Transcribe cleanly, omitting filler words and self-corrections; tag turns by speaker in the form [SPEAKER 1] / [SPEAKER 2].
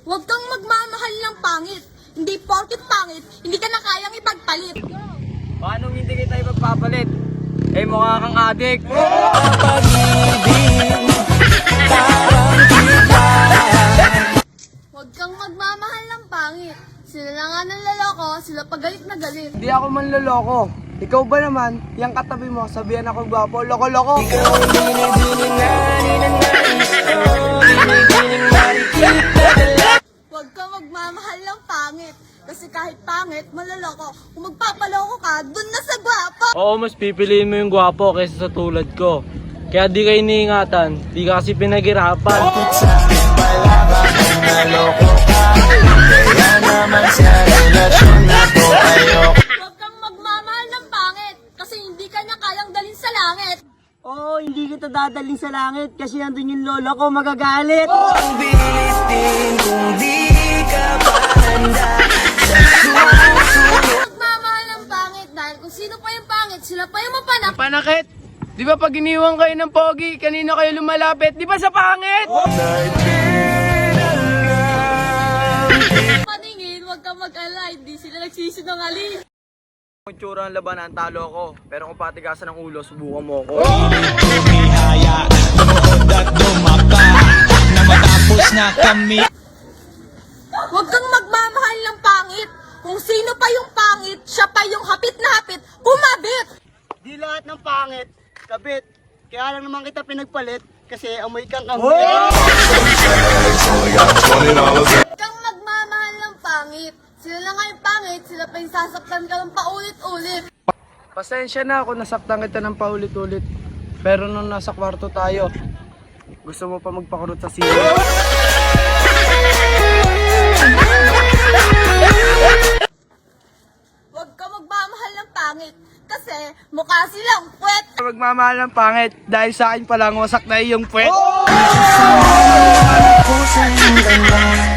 [SPEAKER 1] Huwag kang magmamahal ng pangit. Hindi porket pangit, hindi ka na kayang ipagpalit.
[SPEAKER 2] Paano hindi kita ipagpapalit? Eh mukha kang adik.
[SPEAKER 1] Huwag kang magmamahal ng pangit. Sila na nga ng laloko, sila pa galit na galit.
[SPEAKER 2] Hindi ako manloloko. Ikaw ba naman, yung katabi mo, sabihan ako gwapo, loko-loko.
[SPEAKER 1] Huwag kang magmamahal ng pangit. Kasi kahit pangit, maloloko. Kung magpapaloko ka, dun na sa gwapo.
[SPEAKER 3] Oo, mas pipiliin mo yung gwapo kaysa sa tulad ko. Kaya di kayo iniingatan, di ka kasi pinaghirapan.
[SPEAKER 1] Huwag kang magmamahal ng pangit. Kasi hindi ka na kayang dalhin sa langit.
[SPEAKER 2] Oo, hindi kita dadaling sa langit kasi nandun yung lola ko magagalit.
[SPEAKER 1] Magmamahal ng pangit dahil kung sino pa yung pangit, sila pa yung mapanak.
[SPEAKER 2] Panakit! Di ba pag iniwan kayo ng pogi, kanino kayo lumalapit? Di ba sa pangit?
[SPEAKER 1] Paningin, huwag kang mag-alay. Hindi sila nagsisinungaling.
[SPEAKER 2] Kung tsura ng labanan, talo ko. Pero kung patigasan ng ulo, subukan mo ako.
[SPEAKER 4] Humihaya, lumuhod at dumapa na matapos na kami.
[SPEAKER 1] Huwag kang magmamahal ng pangit. Kung sino pa yung pangit, siya pa yung hapit na hapit, kumabit.
[SPEAKER 2] Di lahat ng pangit, kabit. Kaya lang naman kita pinagpalit kasi amoy kang kami.
[SPEAKER 1] Huwag kang magmamahal ng pangit. Sila na nga yung pangit, sila pa yung sasaktan ka ng paulit-ulit.
[SPEAKER 2] Pasensya na ako, nasaktan kita ng paulit-ulit. Pero nung nasa kwarto tayo, gusto mo pa magpakurot sa sila.
[SPEAKER 1] Huwag kang magmamahal ng pangit. Kasi mukha silang puwet.
[SPEAKER 2] Magmamahal ng pangit dahil sa akin palang wasak na iyong puwet.